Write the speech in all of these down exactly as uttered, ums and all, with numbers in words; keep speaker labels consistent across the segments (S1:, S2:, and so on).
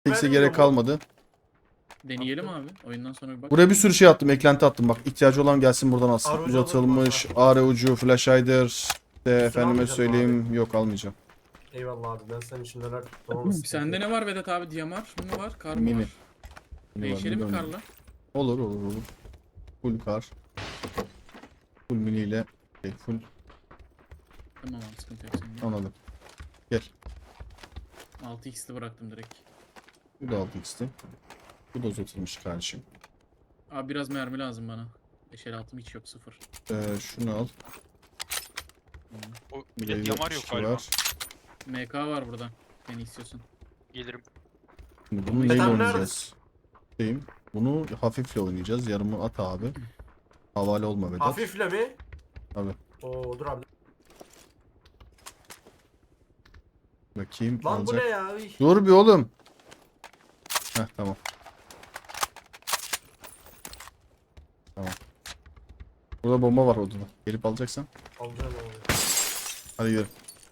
S1: altı x'e
S2: vermiyor
S1: gerek
S2: mu?
S1: kalmadı.
S3: Deneyelim abi. Oyundan sonra bir bak.
S1: Buraya bir sürü şey attım. Eklenti attım. Bak ihtiyacı olan gelsin buradan alsın.
S2: Arı ucu
S1: Uzatılmış
S2: alırım
S1: A R ucu, flash hider. İşte efendime
S2: almayacağım
S1: söyleyeyim. Yok almayacağım.
S2: Eyvallah abi ben senin için neler tuttum ama sıkıntı
S3: Sende
S2: yok.
S3: ne var Vedat abi? Diyamar mı var? Kar mı
S1: Mini.
S3: var?
S1: Mini var,
S3: Değişelim mi
S1: mini var.
S3: karla?
S1: Olur olur olur. Full kar. Full mini ile. Şey, full
S3: Tamam abi sıkıntı yok sende.
S1: anladım. Gel.
S3: altı x'li bıraktım direkt.
S1: Bu da altı x'ti. Bu da uzatılmış kardeşim.
S3: Abi biraz mermi lazım bana. beş el altım hiç yok sıfır.
S1: Ee, şunu al.
S4: O
S1: Bir
S4: bir
S1: de
S4: de yamar yok
S1: yetmiş iki
S4: galiba.
S1: var.
S3: M K var burada. Beni istiyorsun.
S4: Gelirim.
S1: Şimdi bunu
S2: Metan
S1: neyle
S2: nerede?
S1: oynayacağız? Şeyim. Bunu hafifle oynayacağız. Yarımı at abi. Havale olma Vedat.
S2: Hafifle mi?
S1: Abi.
S2: Oo dur abi.
S1: Bakayım
S2: Lan bu
S1: alacak.
S2: ne ya? Üy.
S1: Dur bir oğlum. Heh tamam. Tamam. Burada bomba var odada. Gelip alacaksan.
S2: Alacağım abi.
S1: Hadi gidelim.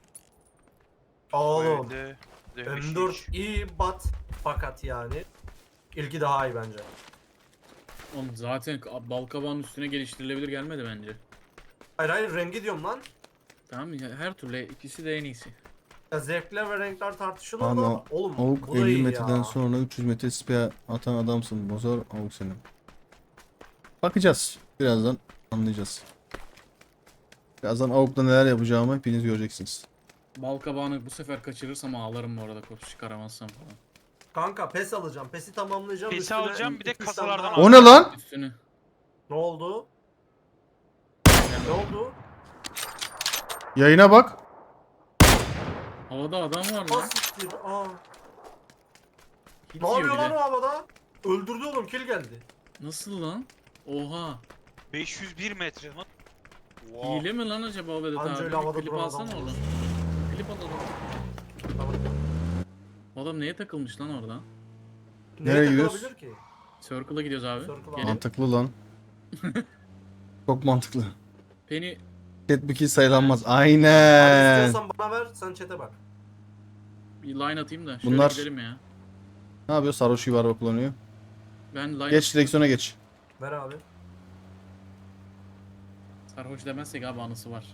S2: Oğlum.
S4: Böyle de
S2: M dört iyi bat fakat yani. İlki daha iyi bence.
S3: Oğlum zaten balkabağın üstüne geliştirilebilir gelmedi bence.
S2: Hayır hayır rengi diyorum lan.
S3: Tamam ya her türlü ikisi de en iyisi.
S2: Ya zevkler ve renkler tartışılır
S1: Ama
S2: da oğlum
S1: Avuk
S2: bu da
S1: elli
S2: iyi
S1: metreden
S2: ya.
S1: sonra üç yüz metre spia atan adamsın. Bozor Avuk senin. Bakacağız. Birazdan anlayacağız. Birazdan Avuk'ta neler yapacağımı hepiniz göreceksiniz.
S3: Balkabağını bu sefer kaçırırsam ağlarım bu arada koş çıkaramazsam falan.
S2: Kanka pes alacağım. Pesi tamamlayacağım.
S4: Pesi
S2: üstüne
S4: alacağım, bir de
S2: iki üç
S4: kasalardan
S2: tane
S4: al.
S2: daha-
S1: O ne lan?
S3: Üstünü.
S2: Ne oldu? Ne oldu?
S1: Yayına bak.
S3: Havada adam var
S2: Aa
S3: lan.
S2: siktir. Aa.
S3: Hit
S2: Ne
S3: yiyor
S2: yapıyor
S3: bir
S2: lan
S3: de.
S2: o havada? Öldürdü oğlum kill geldi.
S3: Nasıl lan? Oha.
S4: beş yüz bir metre lan. Wow.
S3: Hile mi lan acaba Vedat
S2: Anca
S3: abi?
S2: öyle
S3: Bir
S2: havada
S3: klip
S2: duran
S3: alsana
S2: adam
S3: oradan.
S2: olur.
S3: Klip alalım.
S2: Tamam.
S3: Bu adam neye takılmış lan orada?
S1: Nereye
S2: Neye
S1: gidiyoruz?
S2: takılabilir ki?
S3: Circle'a gidiyoruz abi.
S2: Circle
S3: Gelin.
S1: Mantıklı lan. Çok mantıklı.
S3: Penny
S1: Chat bir kill sayılanmaz.
S2: Abi
S1: Aynen.
S2: istiyorsan bana ver sen chat'e bak.
S3: bir line atayım da şöyle
S1: Bunlar-
S3: gidelim ya.
S1: Ne yapıyor? Sarhoş gibi araba kullanıyor.
S3: Ben line
S1: Geç direksiyona geç.
S2: Ver abi.
S3: sarhoş demezsek abi anısı var.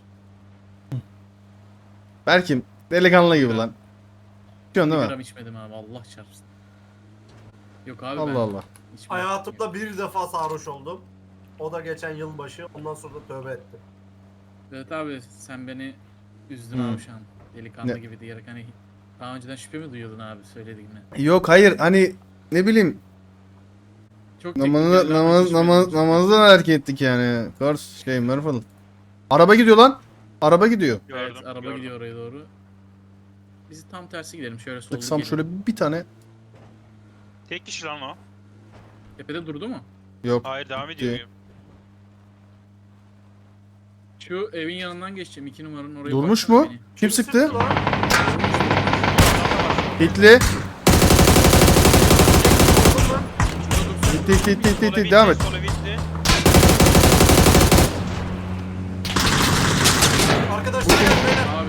S1: Berkim delikanlı gibi lan. Çıkıyorsun
S3: Bir
S1: değil
S3: gram
S1: mi?
S3: içmedim abi Allah çarpsın. Yok abi ben
S1: Allah Allah.
S3: içmedim.
S2: Hayatımda bir defa sarhoş oldum. O da geçen yılbaşı. Ondan sonra da tövbe ettim.
S3: Evet abi sen beni üzdün
S1: Hmm.
S3: abi şu an. Delikanlı
S1: Ne?
S3: gibi diyerek hani daha önceden şüphe mi duyuyordun abi söylediğimle?
S1: Yok hayır hani ne bileyim
S3: Çok
S1: namazı
S3: teknik yerler
S1: namaz
S3: geçmedim.
S1: namaz namazdan hareket ettik yani. Kars şey Merfal. Araba gidiyor lan. Araba gidiyor.
S3: Evet
S4: Gördüm,
S3: araba
S4: gördüm.
S3: gidiyor oraya doğru. Biz tam tersi gidelim şöyle solda
S1: Tıksam
S3: gelin.
S1: şöyle bir tane.
S4: Tek kişi lan o.
S3: Tepede durdu mu?
S1: Yok.
S4: Hayır devam
S1: Gitti.
S4: ediyor.
S3: Şu evin yanından geçeceğim iki numaranın oraya
S1: Durmuş
S3: baksana
S1: mu?
S3: beni.
S1: Kim sıktı?
S2: lan?
S1: Hitli.
S3: Şurada dursun.
S1: Hitti hitti hitti hitti,
S4: Sola
S1: hitti.
S4: bitti,
S1: Devam et.
S4: sola bitti.
S2: Arkadaşlar gel beyler.
S3: Abi.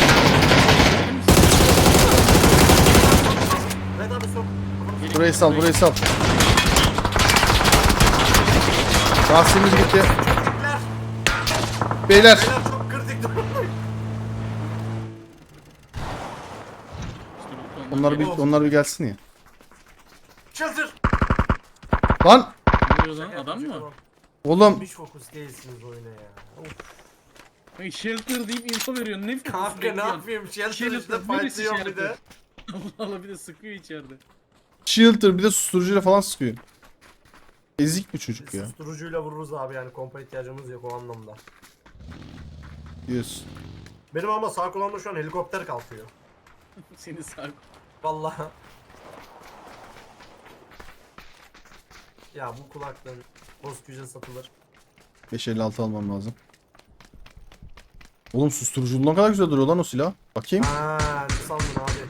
S2: Red abi sok.
S3: Gelin,
S1: Burayı sal
S3: burayı-
S1: burayı sal. Lastiğimiz gitti.
S2: Beyler.
S1: Beyler.
S2: Beyler çok kritik durumdayım.
S3: İşte bu tondan
S1: Onlar bir
S3: gel-
S1: onlar bir gelsin ya.
S2: Çıldır.
S1: Lan
S3: Ne oluyor lan adam mı?
S1: oğlum
S2: Hiç fokus değilsiniz oyuna ya. Of.
S3: Ay, shelter deyip info veriyorsun ne
S2: Kanka ne
S3: bekliyorsun?
S2: yapayım? Shelter
S3: Shelter,
S2: işte
S3: neresi
S2: fightlıyorum bir de.
S3: shelter? Allah Allah bir de sıkıyor içeride.
S1: Shelter bir de susturucuyla falan sıkıyor. Ezik bir çocuk ya.
S2: Susturucuyla vururuz abi yani kompa ihtiyacımız yok o anlamda.
S1: Diyorsun.
S2: Benim ama sağ kulağımda şu an helikopter kalkıyor.
S3: Seni sağ
S2: Vallahi. Ya bu kulaklığın Bozküce satılır.
S1: beş elli altı almam lazım. Oğlum susturucu ne kadar güzel duruyor lan o silah. Bakayım.
S2: Haa ne sandın abi?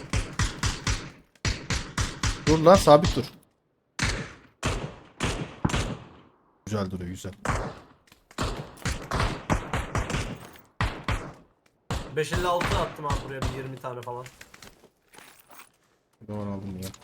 S1: Dur lan sabit dur. Güzel duruyor güzel.
S2: beş elli altı attım abi buraya bir yirmi tane falan.
S1: Doğru aldım ya.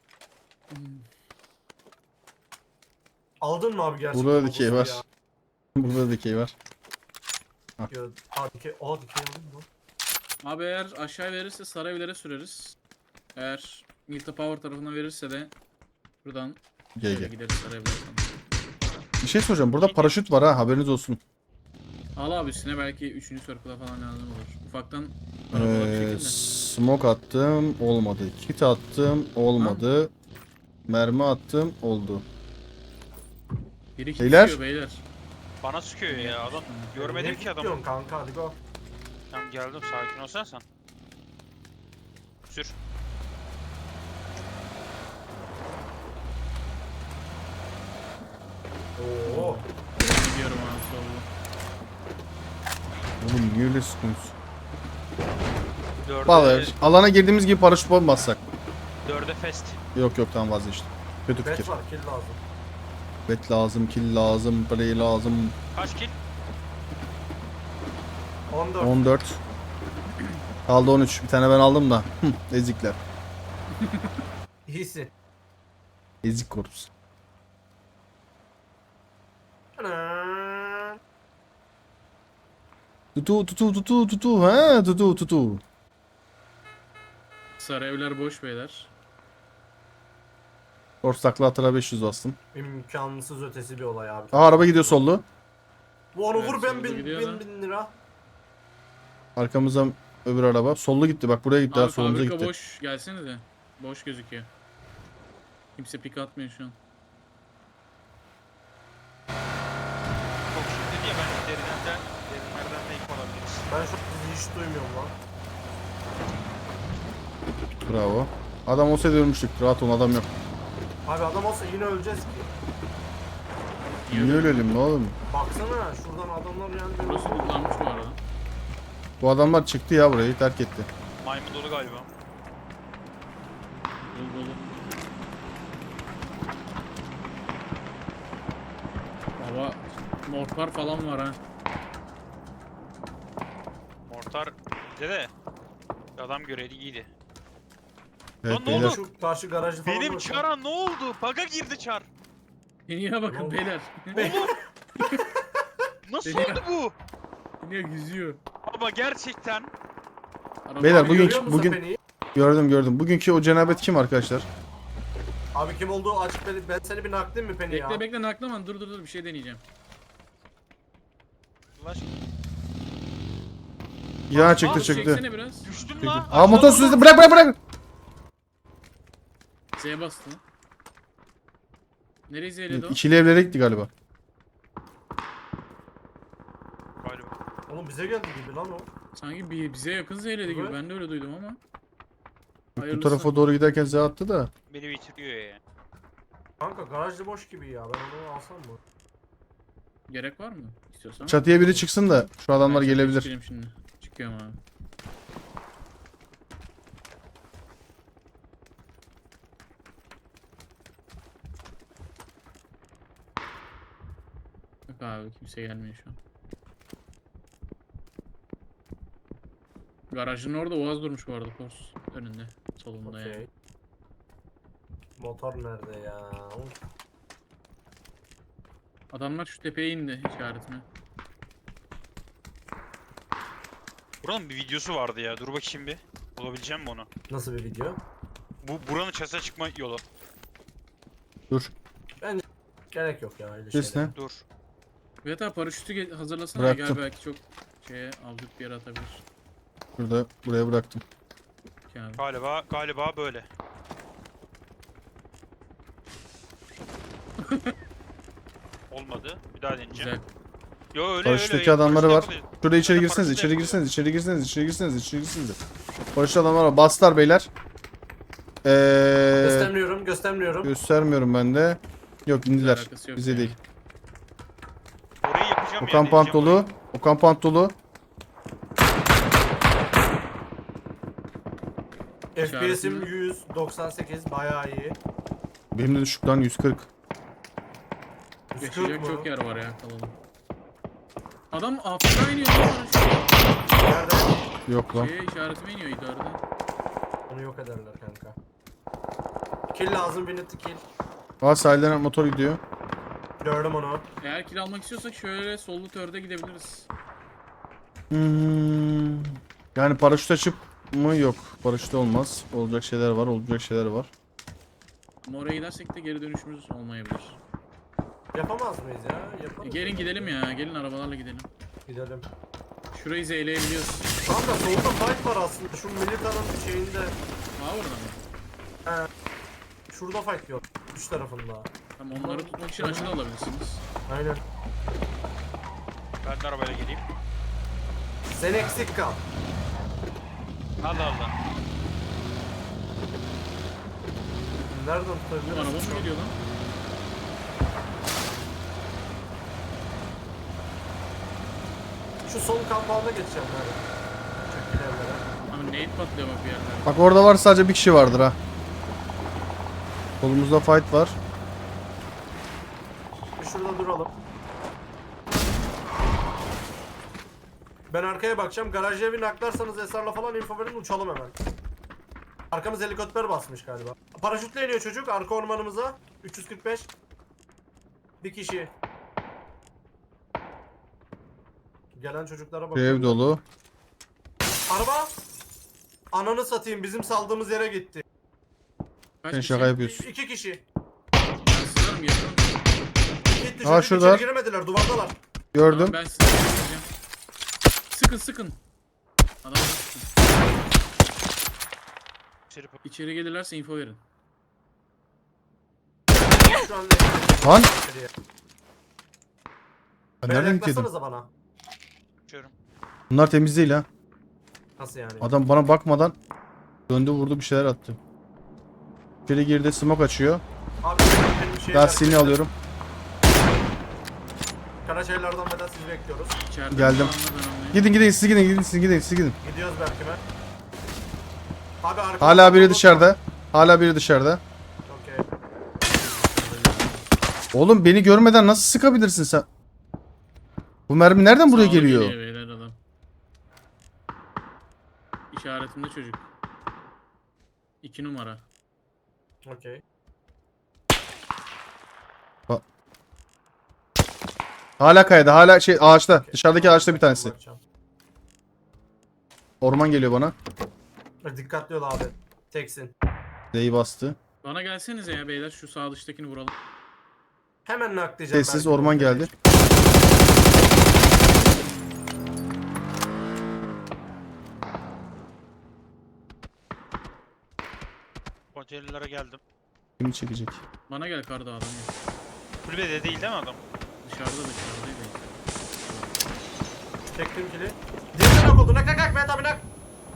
S2: Aldın mı abi gerçekten?
S1: Burada
S2: o
S1: dikey
S2: boost'u
S1: var.
S2: ya?
S1: Burada dikey var.
S2: Ya, ha dikey. Aa dikey aldın mı?
S3: Abi eğer aşağı verirse Sarayevlere süreriz. Eğer Milta Power tarafından verirse de buradan
S1: Gel
S3: şöyle
S1: gel.
S3: gideriz Sarayevlere.
S1: Bir şey soracağım. Burada paraşüt var ha, haberiniz olsun.
S3: Al abi üstüne belki üçüncü circle'a falan lazım olur. Ufaktan arabalar bir
S1: Ee,
S3: şekilde.
S1: smoke attım, olmadı. Kit attım, olmadı. Mermi attım, oldu.
S3: Biri hit
S1: Beyler.
S3: yiyor beyler.
S4: Bana sıkıyor ya adam. Görmedim
S2: Ne
S4: ki adamı.
S2: diyorsun kanka hadi go.
S4: Tamam geldim, sakin olsana sen. Sür.
S2: Oo.
S3: Gidiyorum abi solda.
S1: Oğlum niye öyle sıkıyorsun?
S4: Dörde,
S1: Vallahi alana girdiğimiz gibi paraşüt bassak.
S4: dörde fest.
S1: Yok yok tamam vazgeçtim. Kötü fikir.
S2: Bet var kill lazım.
S1: Bet lazım, kill lazım, play lazım.
S4: Kaç kill?
S2: on dört.
S1: on dört. Kaldı on üç. Bir tane ben aldım da. Hı, ezikler.
S2: İyisin.
S1: Ezik korpus.
S2: Ana.
S1: Tutu tutu tutu tutu ha tutu tutu.
S3: Sarayevler boş beyler.
S1: Korsaklı atıra beş yüz bastım.
S2: İmkansız ötesi bir olay abi.
S1: Aa araba gidiyor sollu.
S2: Bu onu
S3: Evet,
S2: vur ben
S3: solda
S2: bin,
S3: gidiyor
S2: bin,
S3: da.
S2: bin lira.
S1: Arkamızdan öbür araba. Sollu gitti bak buraya gitti. ha,
S3: Abi
S1: solumuza
S3: fabrika
S1: gitti.
S3: boş. Gelsenize. Boş gözüküyor. Kimse pik atmıyor şu an.
S4: Çok şimdi dedi ya, ben derinden derinlerden de ilk olabiliriz.
S2: Ben şu an hiç duymuyorum lan.
S1: Bravo. Adam olsaydı ölmüştük. Rahat ol adam yok.
S2: Abi adam olsa yine öleceğiz ki.
S1: Niye ölelim ne oğlum?
S2: Baksana şuradan adamlar yani.
S3: Burası lootlanmış bu arada.
S1: Bu adamlar çıktı ya burayı terk etti.
S4: Maymun dolu galiba.
S3: Dolu dolu. Baba mortar falan var ha.
S4: Mortar bize de. Bir adam göreydi iyiydi.
S1: Evet
S4: Lan ne
S1: beyler.
S4: oldu?
S2: Şu karşı garajı falan
S4: Benim
S2: bırak.
S4: çara ne oldu? Baga girdi çar.
S3: Deniye bakın
S2: Oğlum.
S3: beyler.
S4: Oğlum. Nasıl
S3: Deniyor.
S4: oldu bu?
S3: Deniye yüzüyor.
S4: Baba gerçekten.
S3: Araba
S1: Beyler,
S3: abi
S1: bugün-
S2: Görüyor musun
S1: bugün-
S2: beni?
S1: Gördüm gördüm. Bugünkü o cenabet kim arkadaşlar?
S2: Abi kim olduğu açık belli. Ben seni bir naklayayım mı Penny ya?
S3: Bekle bekle naklaman dur dur dur bir şey deneyeceğim.
S4: Allah aşkına.
S1: Ya çıktı
S3: Abi,
S1: çıktı.
S3: çeksene biraz.
S4: Düştüm
S1: Çıktı.
S4: lan.
S1: Aa motor sürüsü bırak bırak bırak.
S3: Z'ye bastı lan. Nereye Z'ledi o?
S1: İkili evlere gitti galiba.
S4: Galiba.
S2: Oğlum bize geldi gibi lan o.
S3: Sanki bir, bize yakın Z'ledi gibi.
S2: Evet.
S3: Ben de öyle duydum ama.
S1: Bu
S3: Hayırlısı.
S1: tarafa doğru giderken Z attı da.
S4: Beni bitiriyor ya.
S2: Kanka garajda boş gibi ya. Ben onu alsam mı?
S3: Gerek var mı? İstiyorsan.
S1: Çatıya biri çıksın da şu adamlar
S3: Ben
S1: gelebilir.
S3: çıkayım Şimdi. Çıkıyorum abi. Yok abi kimse gelmiyor şu an. Garajın orada Oğaz durmuş bu arada Kors önünde. Solunda yani.
S2: Okey. Motor nerede ya? Oğlum,
S3: Adamlar şu tepeye indi işaretine.
S4: Buranın bir videosu vardı ya. Dur bakayım bir. Bulabileceğim mi onu?
S2: nasıl bir video?
S4: Bu buranın çatıya çıkma yolu.
S1: Dur.
S2: Gerek yok ya öyle
S1: Ses
S2: şeyler.
S1: ne?
S4: Dur.
S3: Evet abi paraşütü ge- hazırlasana
S1: Bıraktım.
S3: gel belki çok şeye avcuk bir yere atabilir.
S1: Şurada buraya bıraktım.
S3: Ki abi.
S4: Galiba galiba böyle. Olmadı. Bir daha deneyeceğim.
S3: Güzel.
S4: Yo öyle
S1: Paraşütteki
S4: öyle.
S1: adamları
S4: Paraşütle
S1: var.
S4: yapılıyor.
S1: Şurada içeri
S4: Zaten
S1: girseniz,
S4: paraşütle
S1: içeri
S4: yapılıyor.
S1: girseniz, içeri girseniz, içeri girseniz, içeri girseniz. Paraşüt adamlar var. Bastılar beyler. Eee
S2: Göstermiyorum göstermiyorum.
S1: göstermiyorum ben de. Yok indiler.
S3: Alakası yok
S1: Bize
S3: yani.
S1: değil.
S4: Orayı yapacağım
S1: O
S4: ya,
S1: kampant
S4: deneyeceğim
S1: dolu. O kampant dolu.
S2: F P S'im
S3: İşaretini-
S2: yüz doksan sekiz bayağı iyi.
S1: Benim de düşük lan yüz kırk.
S2: yüz kırk
S3: Geçecek
S2: mı?
S3: çok yer var ya kalalım. Adam Afrika iniyor lan paraşütü.
S2: Nerede?
S1: Yok lan.
S3: Şeye işaretime iniyor idarede.
S2: Onu yok ederler kanka. Kill lazım, bir net kill.
S1: Aa sahilden motor gidiyor.
S2: Gördüm onu.
S3: Eğer kill almak istiyorsak şöyle sollu törde gidebiliriz.
S1: Hmm. Yani paraşüt açıp mı? Yok. Paraşüt olmaz. Olacak şeyler var. Olacak şeyler var.
S3: Ama oraya gidersek de geri dönüşümüz olmayabilir.
S2: Yapamaz mıyız ya?
S3: E,
S2: Yaparız.
S3: gelin gidelim ya. Gelin arabalarla gidelim.
S2: Gidelim.
S3: Şurayı zeyleyebiliyoruz.
S2: Kanka solda fight var aslında. Şu militanın şeyinde.
S3: Aa orada mı?
S2: Şurada fight yok. Üç tarafında.
S3: Tamam onları tutmak için açıda alabilirsiniz.
S2: Aynen.
S4: Ben de arabayla geleyim.
S2: Sen eksik kal.
S4: Allah Allah.
S2: Nereden
S3: Bu
S2: tutabiliriz?
S3: araba mı geliyor lan?
S2: Şu son kampanda geçeceğim ben. Çok ilerlere.
S3: Abi nade patlıyor bak bir yerlerde.
S1: Bak orada var, sadece bir kişi vardır ha. Kolumuzda fight var.
S2: Bir şurada duralım. Ben arkaya bakacağım. Garaj evi naklarsanız Esrar'la falan info verin, uçalım hemen. Arkamız helikopter basmış galiba. Paraşütle iniyor çocuk arka ormanımıza. üç yüz kırk beş. Bir kişi. Gelen çocuklara
S1: Şu
S2: bakıyorum.
S1: ev dolu.
S2: Araba! Ananı satayım, bizim saldığımız yere gitti.
S3: Kaç
S1: Sen
S3: kişi?
S1: şaka yapıyorsun.
S2: İki kişi.
S3: Ben sızarım yakın.
S2: Gitti
S1: Aa,
S2: çocuk,
S1: şurada.
S2: içeri giremediler, duvardalar.
S1: Gördüm.
S3: Tamam, ben size sıkacağım. Sıkın sıkın. Adamları sıkın.
S4: İçeri
S3: İçeri gelirlerse info verin.
S2: Şu an
S1: Lan!
S2: içeriye.
S1: Ben
S2: Beyler,
S1: nereden gittim?
S2: yaklaşsanıza bana.
S4: bakıyorum.
S1: Bunlar temiz değil ha.
S2: Nasıl yani?
S1: Adam bana bakmadan döndü vurdu, bir şeyler attı. İçeri girdi, smoke açıyor.
S2: Abi benim şeyler...
S1: Lastiğini alıyorum.
S2: Karaçaylardan beden sizi bekliyoruz.
S3: İçeride
S1: Geldim.
S3: falanla ben anlayayım.
S1: Gidin gidin siz gidin gidin siz gidin siz gidin.
S2: Gidiyoruz Berkim'e. Abi arkamda...
S1: Hala biri dışarıda. Hala biri dışarıda.
S2: Okey.
S1: Oğlum beni görmeden nasıl sıkabilirsin sen? Bu mermi nereden buraya
S3: Sağlı
S1: geliyor?
S3: beyler adam. İşaretimde çocuk. İki numara.
S2: Okey.
S1: Hala kayada, hala şey ağaçta.
S2: Okey.
S1: Dışarıdaki ağaçta bir tanesi.
S2: Bakacağım.
S1: Orman geliyor bana.
S2: Dikkatli ol abi. Teksin.
S1: D'yi bastı.
S3: Bana gelsenize ya beyler şu sağ dıştakini vuralım.
S2: Hemen naklayacağım.
S1: Sessiz
S2: Berkim'i.
S1: orman geldi.
S4: Konteynerlere geldim.
S1: Kimi çekecek?
S3: Bana gel karda adam yok.
S4: Kulübede değil değil mi adam?
S3: Dışarıda dışarıdaydı.
S2: Çektim kili. Diğeri nak oldu. Nak nak nak. Mehmet abi nak.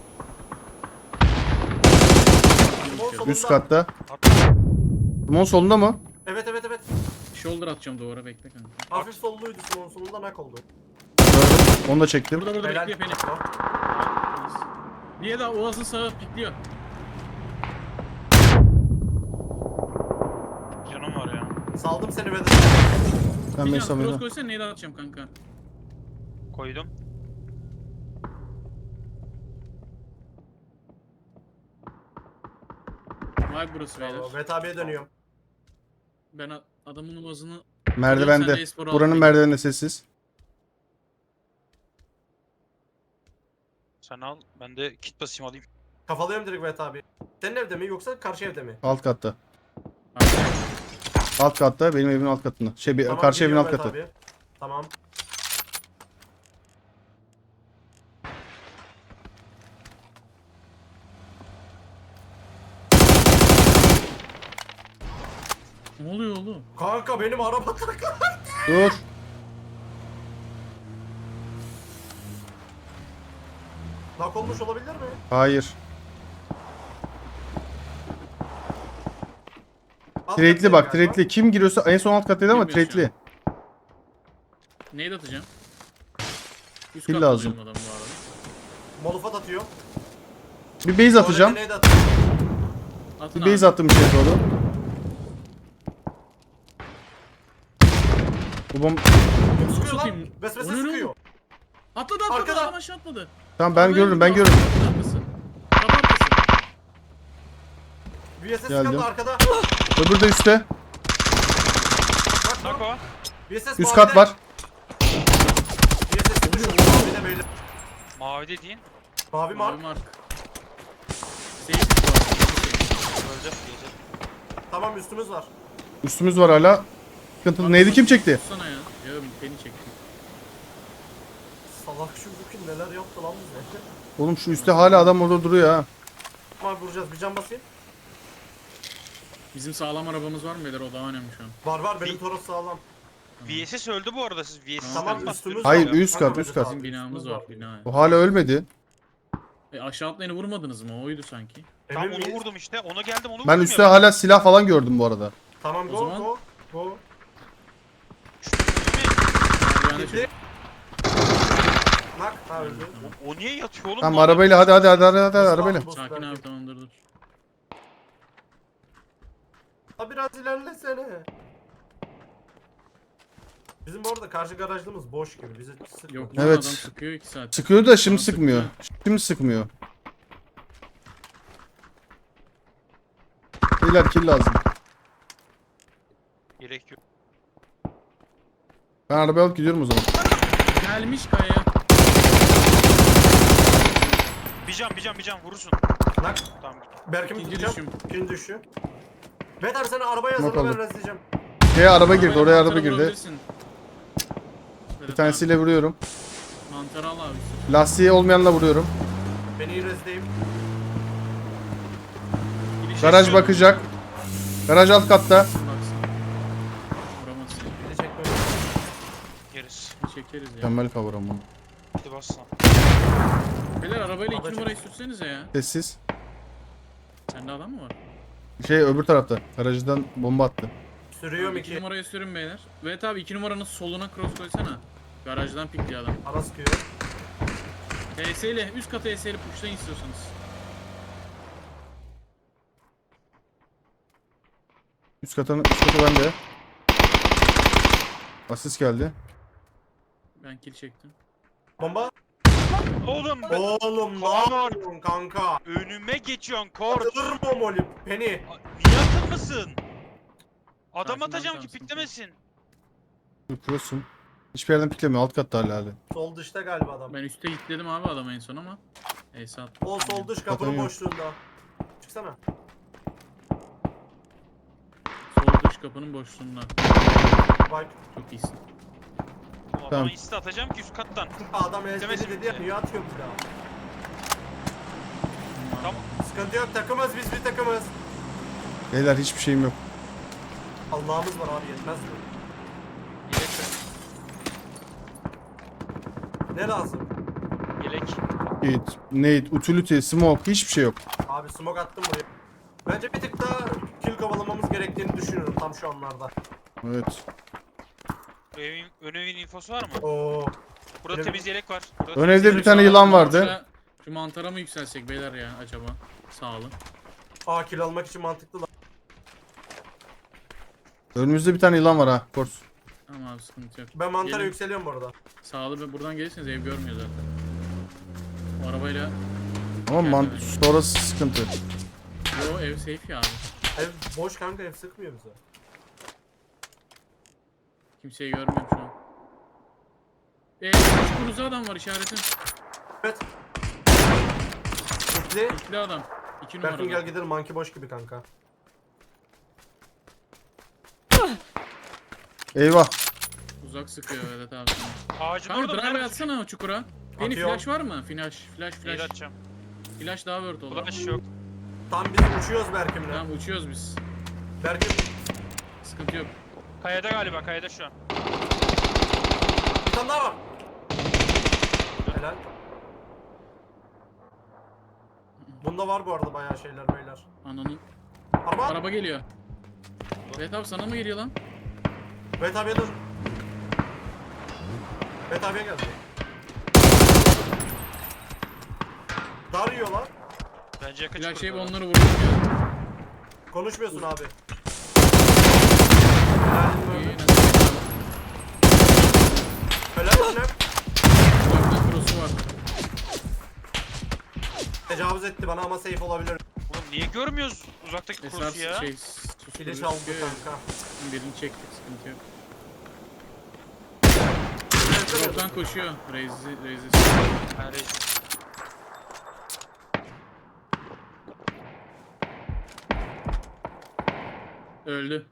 S2: Sol solunda.
S1: Üst katta.
S4: At.
S1: Simon solunda mı?
S2: Evet evet evet.
S3: Shoulder atacağım duvara bekle kanka.
S2: Hafif solluydu. Son solunda nak oldu.
S1: Gördüm. Onu da çektim.
S3: Burada burada
S2: Helal.
S3: bekliyor beni. Niye de Oğaz'ın sağı pikliyor.
S4: Canım var ya.
S2: Saldım seni ve de.
S1: Ben
S3: Bir can
S1: Mesut'a
S3: cross koysana neydi atacağım kanka.
S4: Koydum.
S3: Vay burası beyler.
S2: Mehmet abiye dönüyorum.
S3: Ben a- adamın Oğaz'ını
S1: Merdivende.
S3: Sen de e-sporu
S1: Buranın
S3: al.
S1: merdiveninde sessiz.
S4: Sen al. Ben de kit basayım alayım.
S2: Kafalıyorum direkt Mehmet abi. Senin evde mi yoksa karşı evde mi?
S1: Alt katta. Alt katta, benim evimin alt katında. Şey bir-
S2: Tamam,
S1: karşı evin alt
S2: geliyorum
S1: katı.
S2: Mehmet abi. Tamam.
S3: Ne oluyor oğlum?
S2: Kanka benim araba takla.
S1: Dur.
S2: Nak olmuş olabilir mi?
S1: Hayır.
S2: Alt
S1: Trade'li
S2: kattayım
S1: bak,
S2: galiba.
S1: trade'li. Kim giriyorsa en son alt kattaydı ama
S3: Bilmiyorum şu
S1: trade'li.
S3: Neydi atacağım? Üst
S1: Kill
S3: katta
S1: lazım.
S3: benim adam bu arada.
S2: Molofat atıyor.
S1: Bir base atacağım.
S2: Tuvalete neydi atıyor?
S3: Atın
S1: Bir base
S3: abi.
S1: attım içeri doğru. Bu bom...
S2: Sıkıyor lan.
S3: Satayım.
S2: Vesvese
S3: O ne lan?
S2: sıkıyor.
S3: Atladı atladı
S2: Arkada.
S3: adam aşağı atladı.
S1: Tamam ben
S3: Arabaya
S1: görürüm ben
S3: gidiyor.
S1: görürüm.
S3: Kapı arkası. Kapı arkası.
S2: Bir V S S
S1: Geldim.
S2: kaldı arkada.
S1: Öbürü de üstte.
S2: Bak bak.
S4: Nako.
S2: V S S
S1: Üst
S2: mavide.
S1: kat var.
S2: V S S düşürdü mavide beyler.
S4: Mavi dediğin.
S2: Mavi mark.
S3: Mavi mark. Safe bu arada.
S4: Öleceğiz diyeceğiz.
S2: Tamam üstümüz var.
S1: Üstümüz var hala. Sıkıntı. Neydi, kim çekti?
S3: Tutsana ya. Ya beni çekti.
S2: Salak şu bugün neler yaptı lan bize.
S1: Oğlum şu üstte hala adam orada duruyor ha.
S2: Tamam vuracağız. Bir can basayım.
S3: Bizim sağlam arabamız var mı beyler? O daha önemli şu an.
S2: Var var benim
S4: Bir-
S2: Toros sağlam.
S4: V S S öldü bu arada, siz V S S
S2: Tamam,
S4: atmaz.
S2: üstümüz
S1: Hayır,
S2: var.
S1: üst kat,
S2: Kanka,
S1: üst kat.
S2: abi,
S3: Bizim binamız
S2: üstümüz
S3: var. Bina.
S1: O hala ölmedi.
S3: E, aşağı atlayını vurmadınız mı? Oydu sanki.
S4: Tam
S2: Emin
S4: onu
S2: miyiz?
S4: vurdum işte. Ona geldim, onu
S1: Ben
S4: vurdum
S1: üstte
S4: ya.
S1: hala silah falan gördüm bu arada.
S2: Tamam
S3: O
S2: go
S3: zaman-
S2: go go.
S4: Şu önüme-
S3: Yani
S2: Gitti. Nak. Ha öldü.
S4: O, o niye yatıyor oğlum?
S1: Tamam
S4: bu adam?
S1: arabayla hadi hadi hadi hadi, hadi
S2: Osman,
S1: arabayla.
S2: boss
S3: Sakin
S2: belki.
S3: abi, tamam, dur dur.
S2: Ha biraz ilerlesene. Bizim orada karşı garajlığımız boş gibi. Bize sık.
S3: Yok lan,
S1: Evet.
S3: adam sıkıyor iki saat.
S1: Sıkıyor da şimdi
S3: Bana
S1: sıkmıyor.
S3: sıkıyor.
S1: Şimdi sıkmıyor. Beyler kill lazım.
S4: Gerek yok.
S1: Ben arabayı alıp gidiyorum o zaman.
S3: Gelmiş kayaya.
S4: Bir can bir can bir can vurursun.
S2: Nak.
S4: Tamam.
S2: Berkim'i
S3: İkinci
S2: tutacağım.
S3: düşüm.
S2: İkinci düşü. Bet abi sen arabaya
S1: Nok
S2: hazırla ben
S1: aldım.
S2: rezleyeceğim.
S1: Şeye araba girdi,
S3: Arabayla
S1: oraya araba
S3: mantara
S1: girdi.
S3: vurabilirsin.
S1: Bir
S3: Evet
S1: tanesiyle vuruyorum.
S3: abi, mantarı al abi.
S1: Lastiği olmayanla vuruyorum.
S2: Beni iyi rezleyeyim.
S3: Giriş
S1: Garaj
S3: yapıyorum.
S1: bakacak. Garaj alt katta.
S3: Baksın. Vuramazsın.
S2: Beni çekme.
S4: Yeriz.
S3: Bir çekeriz ya.
S1: Mükemmel kavram bunu.
S4: Hadi bas lan.
S3: Beyler arabayla
S2: Araba
S3: iki numarayı sürsenize ya.
S1: Sessiz.
S3: Sende adam mı var?
S1: Şey öbür tarafta. Garajdan bomba attı.
S2: Sürüyorum
S3: Abi iki
S2: iki.
S3: numarayı sürün beyler. Evet abi iki numaranın soluna cross koysana. Garajdan pikliyor adam.
S2: Ara sıkıyor.
S3: T S ile üst kata T S ile pushlayın istiyorsanız.
S1: Üst katın üst katı bende. Asist geldi.
S3: Ben kill çektim.
S2: Bomba.
S4: Oğlum ben
S2: Oğlum ne
S4: Tamam.
S2: yapıyorsun kanka?
S4: önüme geçiyorsun kor.
S2: Atılır mı o molly? Penny.
S4: Niye atılmasın? Adam
S3: Sakin ol,
S4: atacağım
S3: tamam,
S4: ki piklemesin.
S1: Dur cross'um. Hiçbir yerden piklemiyor. Alt katta hala hala.
S2: Sol dışta galiba adam.
S3: Ben üstte gitledim abi adamı en son ama. Neyse at.
S2: O sol dış kapının
S1: Zaten yok.
S2: boşluğunda. Çıksana.
S3: Sol dış kapının boşluğunda.
S2: Bak.
S3: Çok iyisin.
S4: Adama
S1: Tamam.
S4: iste atacağım ki üst kattan.
S2: Adam ezberi
S4: Demesin
S2: dedi ya
S4: bize.
S2: niye atıyor bir daha?
S4: Tamam.
S2: Sıkıntı yok takımız biz bir takımız.
S1: Beyler hiçbir şeyim yok.
S2: Allah'ımız var abi yetmez mi?
S4: Yelek ver.
S2: Ne lazım?
S4: Yelek.
S1: Hit, nade, utility, smoke hiçbir şey yok.
S2: Abi smoke attım buraya. Bence bir tık daha kill kovalamamız gerektiğini düşünüyorum tam şu anlarda.
S1: Evet.
S4: Evin, ön evin infosu var mı?
S2: Oo.
S4: Burada
S2: Benim-
S4: temiz yelek var. Burada
S1: Ön
S4: temiz
S1: evde
S4: yelek
S1: bir tane
S4: var.
S1: yılan vardı.
S3: Şu, şu mantara mı yükselsek beyler ya acaba? Sağ olun.
S2: Aa kill almak için mantıklı lan.
S1: Önümüzde bir tane yılan var ha. Kors.
S3: Tamam abi sıkıntı yok.
S2: Ben mantara
S3: Gelin.
S2: yükseliyorum bu arada.
S3: Sağlı ve buradan gelirseniz ev görmüyor zaten. O arabayla
S1: Ama
S3: Gel,
S1: man
S3: evet.
S1: sonrası sıkıntı.
S3: yo ev safe ya abi.
S2: Ev boş kanka ev sıkmıyor bize.
S3: Kimseyi görmüyorum şu an. Eee çukurunuzda adam var işaretim.
S2: Evet. Kitli.
S3: İkili adam. İki
S2: Berkin gel
S3: numaralı.
S2: gidelim monkey boş gibi kanka.
S1: Eyvah.
S3: Uzak sıkıyor evet abi.
S4: Ağacın
S3: Kanka
S4: orada mı?
S3: drive
S4: Nerede?
S3: atsana o çukura. Beni
S2: Atıyorum.
S3: flash var mı? Flash, flash,
S4: Neyle
S3: flash.
S4: atacağım?
S3: Flash daha word olur.
S4: Flash yok.
S2: Tam biz uçuyoruz Berkim'le.
S3: Tamam uçuyoruz biz.
S2: Berkim
S3: Sıkıntı yok.
S4: Kayada galiba, kayada şu an.
S2: bir tane daha var. Helal. Bunda var bu arada bayağı şeyler beyler.
S3: Ananın.
S2: Araba.
S3: Araba geliyor. Evet abi sana mı geliyor lan?
S2: Bet abiye dön. Bet abiye geldi. Dar yiyorlar.
S4: Bence yakın
S3: Flash şey
S4: çukurda.
S3: onları vurdum ya.
S2: Konuşmuyorsun abi.
S3: İyi,
S2: Helal.
S3: nasıl?
S2: Helal olsun hep.
S3: Uzaktan cross'u var.
S2: Tecavüz etti bana ama safe olabilir.
S4: Oğlum niye görmüyoruz uzaktaki
S3: Esar
S4: kursu ya.
S3: şey
S2: Filiş
S3: susturucu
S2: aldı
S3: sıkıyor ya.
S2: kanka.
S3: Birini çektik, sıkıntı yok.
S2: Evet,
S3: Drop'tan
S2: evet.
S3: koşuyor. Raze'i, Raze'i.
S4: Ha, reis.
S3: Öldü.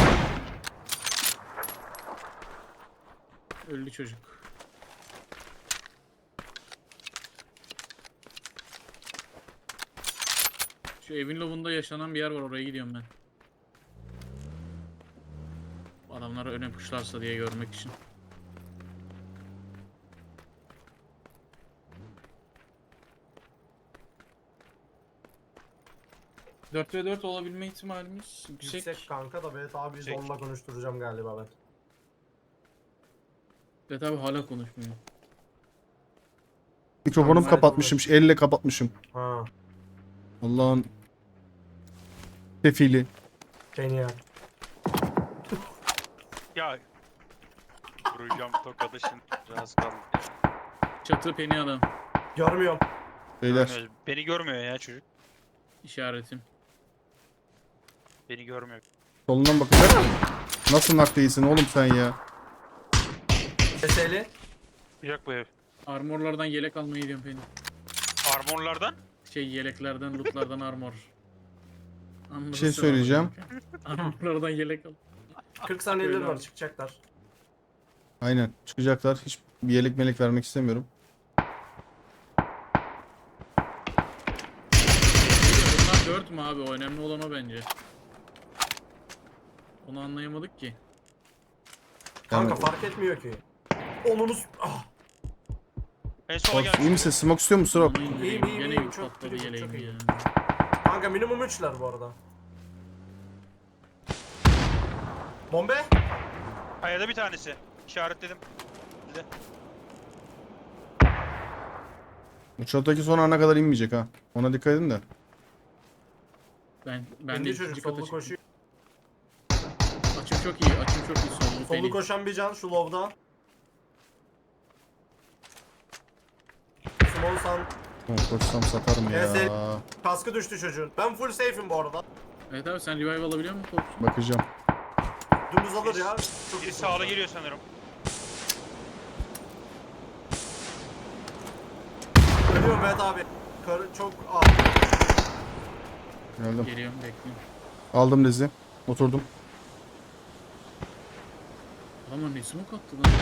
S3: Öldü çocuk. Şu evin lobunda yaşanan bir yer var, oraya gidiyorum ben. Adamlar öne puşlarsa diye görmek için. dört ve dört olabilme ihtimalimiz yüksek.
S2: Yüksek kanka da evet abi
S4: Yüksek.
S2: zorla konuşturacağım galiba ben.
S3: Ve tabi hala konuşmuyor.
S1: Mikrofonum
S2: Normal
S1: kapatmışım. Elle kapatmışım.
S2: Ha.
S1: Allah'ın sefili.
S2: Beni ya.
S4: Ya. Vuracağım tokadı şimdi. Biraz kaldı.
S3: Çatı peni adam.
S2: Görmüyorum.
S1: Beyler.
S4: Görmüyor. Beni görmüyor ya çocuk.
S3: İşaretim.
S4: Beni görmüyor.
S1: Solundan bakacak. Nasıl nak değilsin oğlum sen ya?
S2: Seseli.
S4: Sıcak bu ev.
S3: Armorlardan yelek almayı gidiyorum peni.
S4: Armorlardan.
S3: Şey yeleklerden, lootlardan armor.
S1: Bir şey söyleyeceğim.
S3: Armorlardan yelek al.
S2: kırk saniyeleri
S3: Öyle
S2: var
S3: abi.
S2: çıkacaklar.
S1: Aynen. Çıkacaklar. Hiç bir yelek melek vermek istemiyorum.
S3: Bunlar dört mü abi? O önemli olan o bence. Onu anlayamadık ki.
S2: Kanka
S1: Yani-
S2: fark etmiyor ki. Onunuz... Ah.
S4: En sola
S1: Of,
S4: gelmiş.
S1: iyi misin? Smoke istiyor musun Rob?
S3: Onu indireyim.
S2: İyiyim, iyiyim,
S3: Gene
S2: iyiyim.
S3: yük
S2: Çok
S3: patladı
S2: iyiyim,
S3: yeleğim
S2: çok iyiyim.
S3: ya.
S2: Kanka minimum üçler bu arada. Bombe.
S4: Kayada bir tanesi. İşaretledim. Bir de.
S1: Uçaktaki son ana kadar inmeyecek ha. Ona dikkat edin de.
S3: Ben ben de
S2: İndi
S3: ikinci
S2: çocuk
S3: kata
S2: sollu
S3: çıktım.
S2: koşuyor.
S3: Açım çok iyi. Açım çok iyi. Sollu
S2: Sollu
S3: peni.
S2: koşan bir can şu lobda. Small san.
S1: Oh, koşsam satarım ya.
S2: Evet, Kaskı düştü çocuğun. Ben full safe'im bu arada.
S3: Evet abi sen revive alabiliyor musun Korksun?
S1: Bakacağım.
S2: Dümdüz alır ya. Çok
S4: Biri
S2: iyi.
S4: sağla geliyor sanırım.
S2: Ölüyorum Mehmet abi. Karı çok ah.
S1: Geldim.
S3: Geliyorum bekliyorum.
S1: Aldım dizi. Oturdum.
S3: Ama ne smoke attı lan?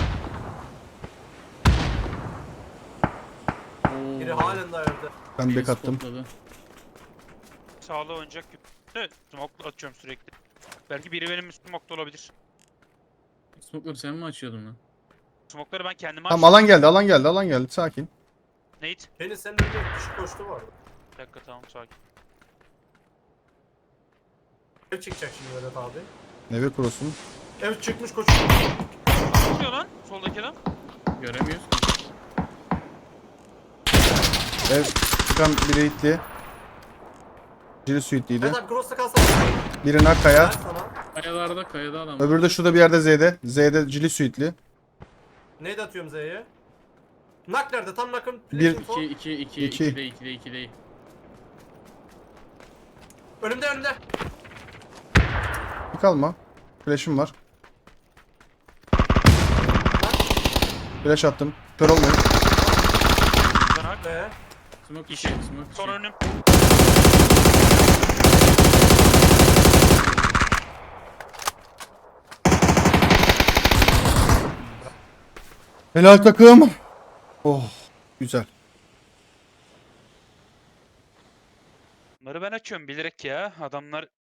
S3: Oo,
S2: Biri halen daha evde.
S1: Ben
S3: beni
S1: bek attım.
S3: spotladı.
S4: Sağla oynayacak gibi. Evet. Smoke atıyorum sürekli. Belki biri benim smoke'da olabilir.
S3: Smoke'ları sen mi açıyordun lan?
S4: Smoke'ları ben kendime
S1: Tamam
S4: açtım.
S1: alan geldi alan geldi alan geldi. Sakin.
S4: Nate.
S2: Beni senin önüne kişi koştu vardı.
S4: Bir dakika tamam sakin.
S2: Ev çıkacak şimdi Mehmet abi.
S1: Neve kurusun.
S2: Ev çıkmış koşuyor.
S4: Ne oluyor lan? Soldaki adam.
S3: Göremiyoruz.
S1: Ev çıkan biri hitli. Biri suitliydi.
S2: Mehmet abi cross'ta kalsana.
S1: Biri nak kaya.
S2: Ver sana.
S3: Kayalarda, kayada adam.
S1: Öbürü de şurada bir yerde Z'de. Z'de cili suitli.
S2: Neydi atıyorum Z'ye? Nak nerede? Tam nakın.
S1: Bir-
S2: info.
S3: iki, iki, iki,
S1: İki.
S3: iki de, iki de, iki de.
S2: Önümde önümde.
S1: Bir kalma. Flash'ım var. Flash attım. Kör olmayın.
S4: Buradan hak.
S2: Be.
S3: Smoke
S4: İşi.
S3: iki, smoke iki.
S4: Son önüm.
S1: Helal takım. Oh. Güzel.
S4: Bunları ben açıyorum bilerek ya. Adamlar